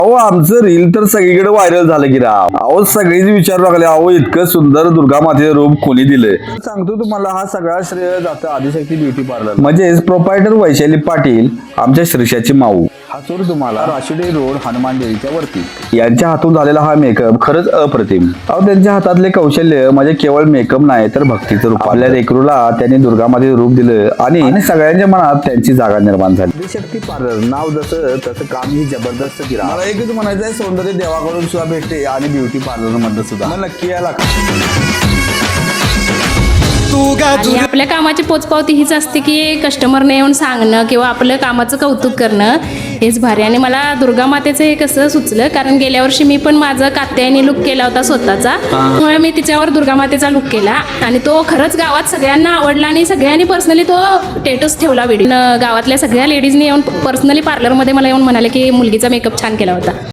अहो आमचं रील तर सगळीकडे व्हायरल झालं की राव. अहो सगळेच विचारू लागले, अहो इतकं सुंदर दुर्गा मातेचं रूप कोणी दिले. सांगतो तुम्हाला, हा सगळा श्रेय जातं आदिशक्ती ब्युटी पार्लर, म्हणजेच प्रोप्रायटर वैशाली पाटील, आमच्या श्रीषाची माऊ. हा चोर तुम्हाला राशिडे रोड हनुमान देवीच्या वरती. यांच्या हातून झालेला हा मेकअप खरंच अप्रतिम. अहो त्यांच्या हातातले कौशल्य म्हणजे केवळ मेकअप नाही तर भक्तीचं रूप. आपल्या लेकरूला त्यांनी दुर्गा मातेचं रूप दिलं आणि सगळ्यांच्या मनात त्यांची जागा निर्माण झाली. आदिशक्ती पार्लर नाव जसं तसं काम ही जबरदस्त केलं. मला एकच म्हणायचं आहे, सौंदर्य देवाकडून सुद्धा भेटते आणि ब्युटी पार्लर मध्ये सुद्धा. मग नक्की यायला आणि आपल्या कामाची पोचपावती हीच असते की कस्टमरने येऊन सांगणं किंवा आपलं कामाचं कौतुक करणं हेच भारी. आणि मला दुर्गा मातेचं हे कसं सुचलं, कारण गेल्या वर्षी मी पण माझा कात्यायनी लुक केला होता स्वतःचा, त्यामुळे मी तिच्यावर दुर्गा मातेचा लुक केला आणि तो खरंच गावात सगळ्यांना आवडला आणि सगळ्यांनी पर्सनली तो स्टेटस ठेवला व्हिडिओ. गावातल्या सगळ्या लेडीजनी येऊन पर्सनली पार्लरमध्ये मला येऊन म्हणाले की मुलगीचा मेकअप छान केला होता.